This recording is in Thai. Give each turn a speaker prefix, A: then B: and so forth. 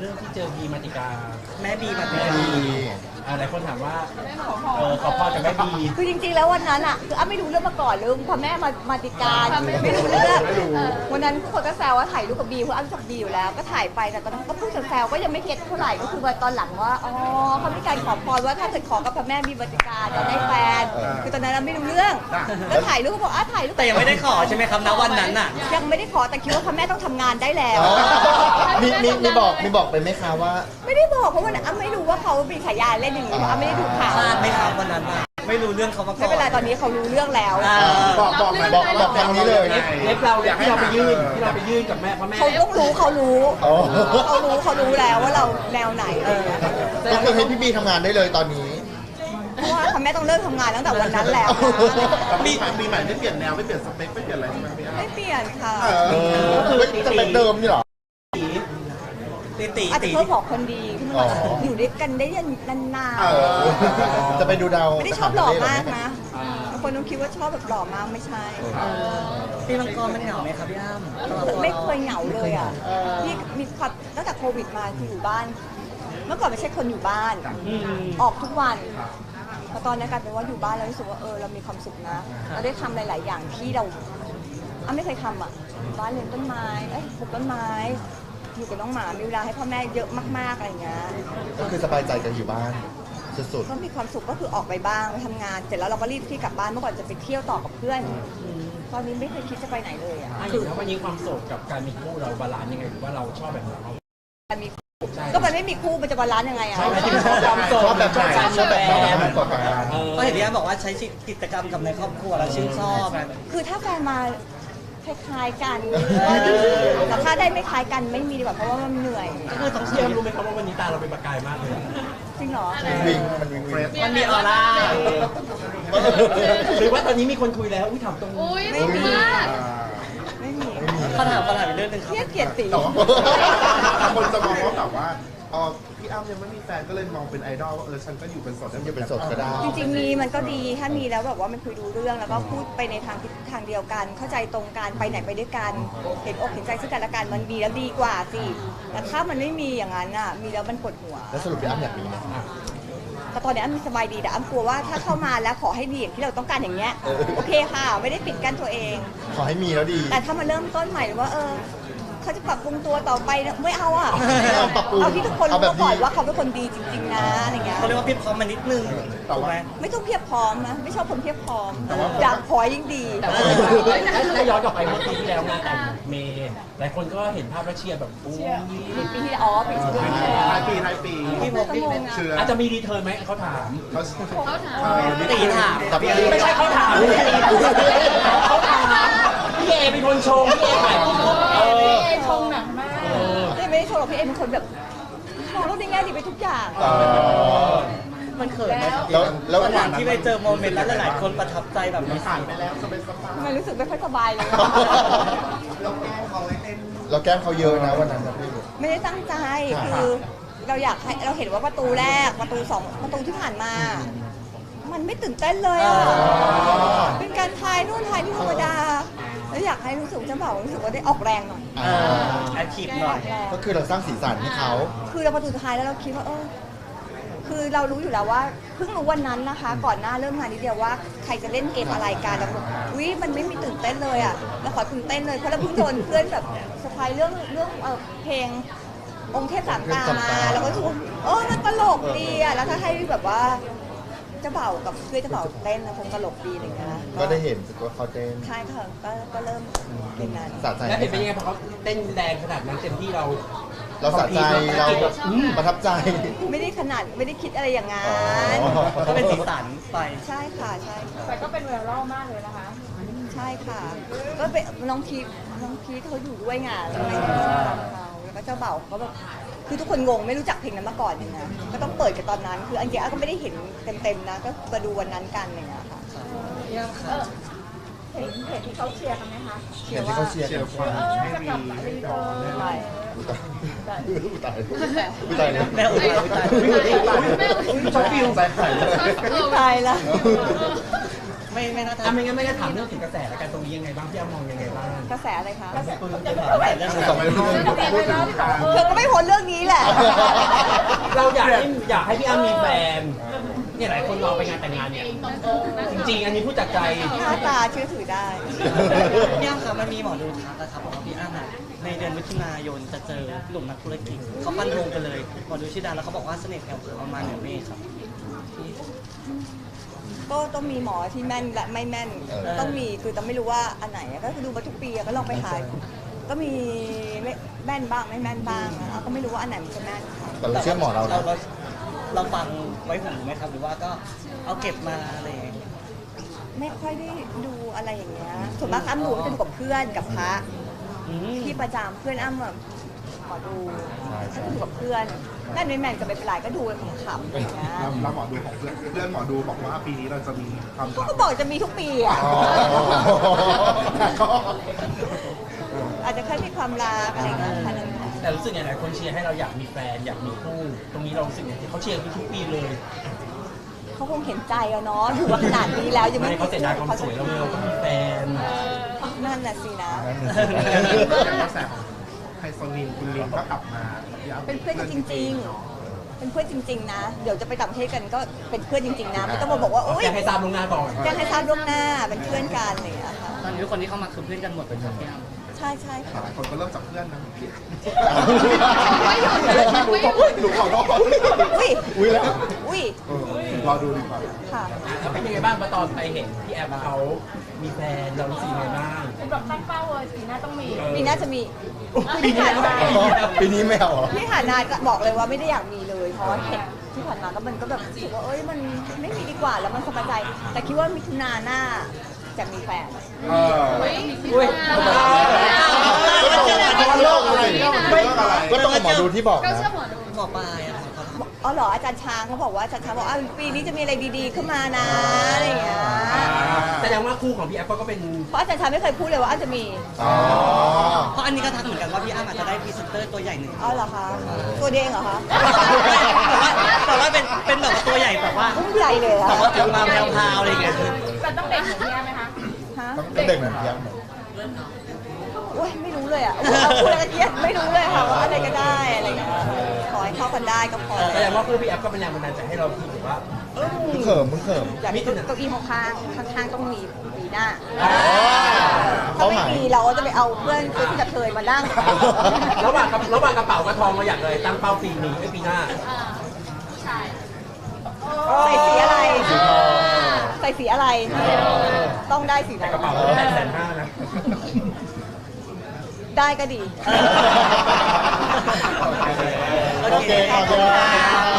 A: รื่องที่เจอบีมาติกา
B: แม่บีมาติ
A: แม่
B: กา
A: บีหลายคนถามว่าขอพรจากแม่บี
C: คือจริงๆแล้ววันนั้นอ่ะคืออ้ำไม่รู้เรื่องมาก่อนเลยพอแม่มาติการไม่รู้เรื่องวันนั้นทุกคนก็แซวว่าถ่ายรูปกับบีเพราะอ้ำชอบบีอยู่แล้วก็ถ่ายไปแต่ตอนนั้นก็พูดแซวๆก็ยังไม่เก็ตเท่าไหร่ก็คือว่าตอนหลังว่าอ๋อเขามีการขอพรว่าถ้าเกิดขอกับพระแม่มีมาติการจะได้แฟนคือตอนนั้นเราไม่รู้เรื่องก็ถ่ายรูปบอกถ่ายรูป
B: แต่ยังไม่ได้ขอใช่ไหมครับณวันนั้นน่ะ
C: ยังไม่ได้ขอแต่คิดว่าพระแม่ต้องทำงานได้แล้ว
D: มีบอกไปไหมคะว่า
C: ไม่ได้บอกเพราะว่าอ้ำไม่รู้ว่าเขามีฉายาเล่นอย่างนี้อ้ำไม่ได้ดูข่าว
B: พลาดไหมครับวันนั้นไม่รู้เรื่องเขามาก่อน
C: ไม่เป็นไรตอนนี้เขารู้เรื่องแล้ว
D: บอกทางนี้เลย
A: เล็บเราที่เราไปยื่นกับแม่พ่อแม่
C: เขาต้องรู้เขารู้แล้วว่าเราแนวไหนอะไรอย่างเงี้ย
D: ก็คือให้พี่บีทำงานได้เลยตอนนี้
C: เพราะว่าพ่อแม่ต้องเลิกทำงานตั้งแต่วันนั้นแล้ว
E: ปีใหม่ไม่เปลี่ยนแนวไม่เปลี่ยนสเปคไม่เปลี่ยนอะไรใช่ไหมพี่
C: ไม่เปลี่ยนค่ะ
D: จะเป็นเดิมนี่หรอ
C: อาจจะเพิ่มบอกคนดีที่มันอยู่ด้วยกันได้นาน
D: ๆจะไปดูดาว
C: ไม่ได้ชอบหล่อมากนะบางคนต้องคิดว่าชอบแบบหล่อมากไม่ใช่
B: พี่มังกรมันเหงาไหมครับพี่อ้ำ
C: ไม่เคยเหงาเลยอ่ะพี่มีความตั้งแต่โควิดมาคืออยู่บ้านเมื่อก่อนไม่ใช่คนอยู่บ้านออกทุกวันพอตอนนี้กลายเป็นว่าอยู่บ้านแล้วรู้สึกว่าเรามีความสุขนะเราได้ทำหลายๆอย่างที่เราไม่เคยทำอ่ะบ้านเลี้ยงต้นไม้ปลูกต้นไม้อยู่กับน้องหมามีเวลาให้พ่อแม่เยอะมากๆอะไรเงี้ย
D: ก็คือสบายใจกันอยู่บ้านสุด
C: ๆก็มีความสุขก็คือออกไปบ้างไปทำงานเสร็จแล้วเราก็รีบที่กลับบ้านเมื่อก่อนจะไปเที่ยวต่อกับเพื่อนตอนนี้ไม่เคยคิดจะไปไหนเลยอ่ะ
A: คือแล้ววันนี้ความโสดกับการมีคู่เราบาลานซ์ยังไงหรือว่าเราชอบแบบไหน
C: การมีก็มันไม่มีคู่มันจะบาลานซ์ยังไงอ่ะ
D: ชอบแบบไหนชอบแบบไหน
B: ก็เห็นพี่อ้ำบอกว่าใช้กิจกรรมกับในครอบครัวแล้วชื่นชอบ
C: คือถ้าแฟนมาคล้ายๆกันแต่ถ้าได้ไม่คล้ายกันไม่มีดีกว่าเพราะว่ามันเหนื่อย
A: ก็คือต้องเชื่อรู้ไหมครับว่าวันนี้ตาเราเป็นประกายมากเลย
C: จริงเหรอ
B: มันมีออร่า
A: หรือว่าตอนนี้มีคนคุยแล้วถามตรง
C: ไม่มี
B: เขาถามเรื่องนึงครับ
C: เกลียดสี
E: คนจะมองว่าแบบว่าพี่อ้ำยังไม่มีแฟนก็เลยมองเป็นไอดอลว่าฉันก็อยู่เป็นโสด
D: ก็ได้
C: จริงๆมีมันก็ดีถ้ามีแล้วแบบว่ามันคุยดูเรื่องแล้วก็พูดไปในทางเดียวกันเข้าใจตรงกันไปไหนไปด้วยกันเห็นอกเห็นใจซึ่งกันและกันมันดีแล้วดีกว่าสิแต่ถ้ามันไม่มีอย่างนั้นอ่ะมีแล้วมันปวดหัว
D: แล้วสรุปพี่อ้ำอยากมีไหม
C: แต่ตอนนี้อ้ำมีสบายดีแต่อ้ำกลัวว่าถ้าเข้ามาแล้วขอให้ดีอย่างที่เราต้องการอย่างเงี้ยโอเคค่ะไม่ได้ปิดกั้นตัวเอง
D: ขอให้มีแล้วดี
C: แต่ถ้ามาเริ่มต้นใหม่หรือว่าเขาจะปรับปรุงตัวต่อไปไม่เอาอ่ะเอาที่ทุกคนรู้ก่อนว่าเขาเป็นคนดีจริงๆนะอะไรเงี้ย
B: เขาเรียกว่าเพียบพร้อมมานิดนึง
E: ถูกไหม
C: ไม่ต้องเพียบพร้อมนะไม่ชอบคนเพียบพร้อมอยากพอยิ่งดี
A: แต่ถ้าย้อนกลับไปเมื่อปีที่แล้วงานแต่งเมย์หลายคนก็เห็นภาพแล้วเชียร์แบบ
C: ปีที่ปีที่
E: ท้ายปี
B: พี่
A: อาจจะมีรีเทิร์นไหมเขาถาม
B: ตีถาม
A: ไม่ใช่เขาถามพี่เอเป็นคนชงพี่เอถ่าย
C: พี่เอชงหนักมากไม่ได้ชงหรอกพี่เอเป็นคนแบบมองโลกในแง่ดีไปทุกอย่าง
B: มันเขินแล้วหลังที่ไปเจอโมเมนต์แล้วหลายคนประทับใจแบบนี้
E: ผ่านไปแล้วสบาย
C: ทำไมรู้สึกไม่ค่อยสบายเลย
D: เราแก้มเขาเยอะนะวันนั้นพี่
C: ไม่ได้ตั้งใจคือเราอยากให้เราเห็นว่าประตูแรกประตู2ประตูที่ผ่านมามันไม่ตื่นเต้นเลยอ่ะเป็นการทายนู่นทายนี่ธรรมดาแล้วอยากให้รู้สึกจะบอกรู้สึกว่าได้ออกแรงหน่อย
B: แอคทีฟหน่อย
D: ก็คือเราสร้างสีสันให้เขา
C: คือเราประตูท้ายแล้วเราคิดว่าคือเรารู้อยู่แล้วว่าเพิ่งรู้วันนั้นนะคะก่อนหน้าเริ่มงานนิดเดียวว่าใครจะเล่นเกมอะไรกันแล้วมันไม่มีตื่นเต้นเลยอ่ะเราขอตื่นเต้นเลยเพราะเราเพิ่งโดนเพื่อนแบบสปายเรื่องเพลงองค์เทพสามตามาแล้วก็ทุกมันตลกดีอ่ะแล้วถ้าให้แบบว่าเจ้าเบ่ากับเพื่อนเจ้าเบ่าเต้นคงตลกดีอะไรอย่างเงี้ย
D: ก็ได้เห็นว่าเขาเต้น
C: ใช่ค่ะก็เริ่มเป็นนั้น
A: แล้วเห็นเป็นยังไงพอเขาเต้นแรงขนาดนั้นเต็มที่เรา
D: สะใจเราประทับใจ
C: ไม่ได้ขนาดไม่ได้คิดอะไรอย่างงั้น
B: ก็เป็นสีสันไป
C: ใช่ค่ะ
F: แต่ก็เป็นไวรัลมากเลยนะคะ
C: ใช่ค่ะก็เป็นน้องพีทเขาอยู่ด้วยไงแล้วก็แล้วก็เจ้าเบ่าเขาแบบคือทุกคนงงไม่รู้จักเพลงนั้นมาก่อนอย่างเงี้ยก็ต้องเปิดกันตอนนั้นคืออันเดียก็ไม่ได้เห็นเต็มๆนะก็มาดูวันนั้นกันอย่างเงี้ยค่ะ
F: เห็นที่เขาเชียร์กันไหมคะ
D: เชียร์ที่เขาเชียร์กัน
F: ให้มี
C: ไม่
D: ตายเลย
B: แม่
A: ชอบฟิล
C: ตายแล้ว
B: ไม่น่าจะ
A: ถ้าไม่งั้นไม่ได้ถามเรื่องถึงกระแสแล้วกันตรงนี้ยังไงบ้างพี่อ้ำมองยังไงบ้าง
C: กระแสอะไรคะ
B: แต่เรื่อง
D: สองเรื่อง
C: เธอก็ไม่พ้นเรื่องนี้แหละ
A: เราอยากให้พี่อ้ำมีแฟนเนี่ยหลายคนรอไปงานแต่งงานเนี่ยจริงๆอันนี้พูดจากใจ
C: หน้าตาเชื่อถือได้
B: พี่อ้ำครับมันมีหมอดูทักนะครับบอกว่าพี่อ้ำในเดือนมิถุนายนจะเจอหนุ่มนักธุรกิจเขาฟันธงไปเลยหมอดูชื่อดังแล้วเขาบอกว่าเสน่ห์แผ่วเผยประมาณเหนือเมฆครับ
C: ก็ต้องมีหมอที่แม่นและไม่แม่น ต้องมีคือต้องไม่รู้ว่าอันไหนก็คือดูมาทุกปีก็ลองไปหาก็มีแม่นบ้างไม่แม่นบ้างก็ไม่รู้ว่าอันไหนมันจะแม่นค่ะ
D: แต่เราเชื่อหมอเรานะ
B: เราฟังไว้หูไหมครับหรือว่าก็เอาเก็บมาอะไรอย่างเงี้ย
C: ไม่ค่อยได้ดูอะไรอย่างเงี้ยส่วนมากอ้ำดูก็จะดูกับเพื่อนกับพระที่ประจำเพื่อนอ้ำแบบขอดูก็ดูกับเพื่อนแม่นไม่แม่นก็ไม่เป็นไรก็ดูขำๆอย่างเงี้ย
E: เราหมอดูของเพื่อนหมอดูบอกว่าปีนี้เราจะมีความรัก
C: ก็บอกจะมีทุกปีอ่ะ
D: อ๋อ
C: อาจจะแค่มีความรักอะไรอย่างเงี้ยแค่นั้นค่ะ
A: แต่รู้สึกไงหลายคนเชียร์ให้เราอยากมีแฟนอยากมีคู่ตรงนี้เรารู้สึกไงที่เขาเชียร์ทุกปีเลย
C: เขาคงเห็นใจอะเนาะอยู่มาขนาดนี้แล้วยัง
A: ไม่
C: ไม่
A: เขาเสียดายความสวยเราเลยเราก็มีแฟน
C: นั่นน่ะสินะ
E: กระแสของไฮโซนินคุณลินก็กลับมา
C: เป็นเพื่อนกันจริงๆ เป็นเพื่อนจริง ๆ นะ เดี๋ยวจะไปต่างประเทศกันก็เป็นเพื่อนจริง ๆ นะ ไม่ต้องมาบอกว่าโอ๊ย
A: แจ้งให้ทราบล่วงหน้าก่อน
C: แจ้งให้ทราบล่วงหน้า เป็นเพื่อนกันอะไรอย่างเงี้ยค่ะ
B: ตอนนี้ทุกคนที่เข้ามาคือเพื่อนกันหมดเลยครับพี่อ้ำ
C: ใช่ใช่ค่ะ
E: หลายคนก็เริ่มจากเพื่อนนะ
C: ไม่หยุดเลย
E: หนูขอโทษ
C: อุ้ย
D: อุ้ยแล้ว
C: อุ้ย
E: รอดูดีกว่า
C: ค่ะ
A: แล้วเป็นยังไงบ้างตอนไปเห็นพี่แอฟเขามีแฟนเรารู้สึกยังไงบ้าง
F: เป็นแบบตั้งเป้าเลยปีหน้าต้องมี
C: ปีหน่าจะมี
A: ปีนี้แล้ว
D: ปีนี้ไม่เอาเหรอ
C: ที่ผ่านมาก็บอกเลยว่าไม่ได้อยากมีเลย เพราะว่าเห็นที่ผ่านมาก็มันก็แบบรู้สึกว่าเอ้ยมันไม่มีดีกว่าแล้วมันสบายใจ แต่คิดว่ามิถุนาหน้าจะมีแฟน
A: อุ้ย
D: ก็ต้องกับหมอดูที่บอกนะ
B: หมอปลายอะครับ
C: อ๋อเหรออาจารย์ช้างเขาบอกว่าอาจารย์ช้างบอกว่าปีนี้จะมีอะไรดีๆขึ้นมานะอะไรอย่างเงี้ย
A: แสดงว่าคู่ของพี่แอฟก็เป็น
C: เพราะอาจารย์ช้างไม่เคยพูดเลยว่าอาจจะมี
D: อ๋อ
B: เพราะอันนี้ก็ทักเหมือนกันว่าพี่อ้ำอาจจะได้พรีเซนเตอร์ตัวใหญ่หนึ่ง
C: อ๋อเหรอคะตัวเด้งเหรอคะ
B: แต่ว่าเป็นแบบตัวใหญ่แบบว่า
C: อุ้มใหญ่เลยอะ
B: แต่ว่าจะมาแพรวๆอะไรอย่างเงี้ย
F: แต่ต้องเด็กเหมือนพี่แอมไหมคะ
C: ฮะ
D: ต้องเด็กเหมือนเพียง
C: โอ้ยไม่รู้เลยอะเอาพูดอะไรกันเยอะไม่รู้เลยค่ะว่าอะไรก็ได้อะไรอย่างเงี้ยขอให้เข้ากันได้ก็พอ
A: แสดงว่าคู่พี่แอฟก็เป็นแรงบันดาลใจให้เราคิดว่า
D: มึงเขิมมึงเขิม
C: อยากมีเก้าอี้ข้างๆข้างๆต้องมีปีหน้า
D: อ๋อ
C: ถ้าไม่มีเราก็จะไปเอาเพื่อนที่จะเคยมานั่ง
A: ระหว่างกระเป๋ากับทองเราอยากเลยตั้งเป้าปีนี้ปีหน้า
C: ใส่สีอะไร ใส่สีอะไร ต้องได้สี
A: แต่
C: นั้น
A: กระเป๋าเรา850,000นะ
C: ได้ก็ดี
D: โอเคขอบคุณครับ